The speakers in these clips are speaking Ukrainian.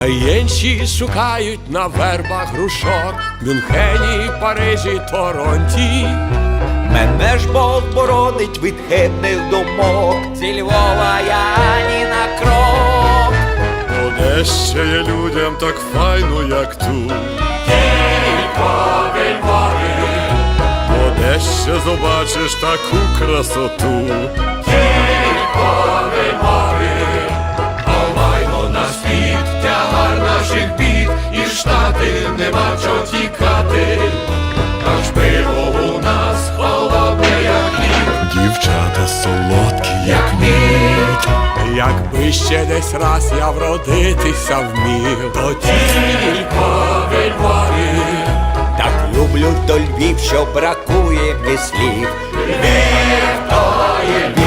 Інші шукають на вербах грушок, Мюнхені, Парижі, Торонті. Мене ж Бог боронить від хибних думок. Зі Львова я ні на крок. Де ще є людям так файно, як тут? Тільки Львові, Де ще побачиш таку красоту? тільки Львові. Омаймо на світ, тягар наших бід, і Штати нема чого тікати. Аж пиво у нас холодне, як лід. Дівчата солодкі, як Мід. Якби ще десь раз я вродитися вмів, то тільки в Львові. Так люблю то Львів, що бракує мені слів. Львів то є Львів.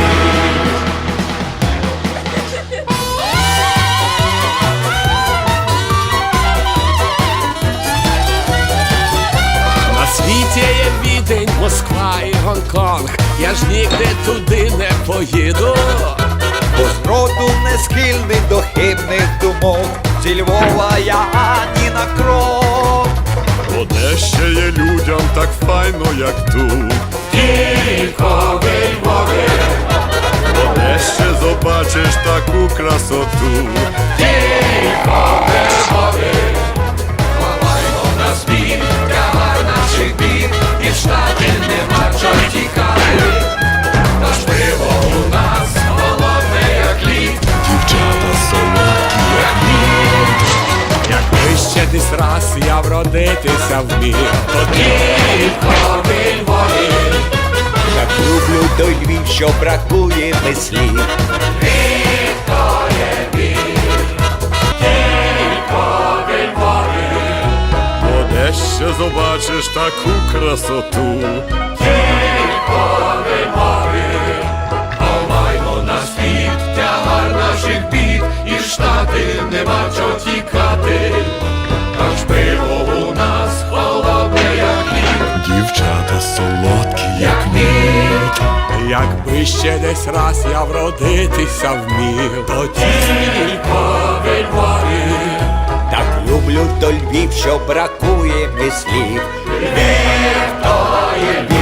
На світі є Відень, Москва і Гонконг. Я ж нігде туди не поїду. Бо зроду не схильний до хибних думок. Зі Львова я ні на крок. Де ще є людям так файно, як тут? Тільки в Львові, Де ще побачиш таку красоту? тільки в Львові. Ховаймо на світ, тягар наших бід, і в Штати нема чого тікати. Наш пиво у нас холодне, як лід. Дівчата солодкі, як Якби ще десь раз я вродитися вмів, то тільки в Львові. Так люблю той Львів, що бракує мені слів. Львів то є Львів, тільки в Львові. Де ще побачиш таку красоту? Тільки в Львові. Омаймо на світ, тягар наших бід, і в Штати нема чого тікати. Аж пиво у нас холодне, як лід. Дівчата солодкі, як Мід. Якби ще десь раз я вродитися вмів, то тільки в Львові. Так люблю то Львів, що бракує мені слів. Львів то є Львів.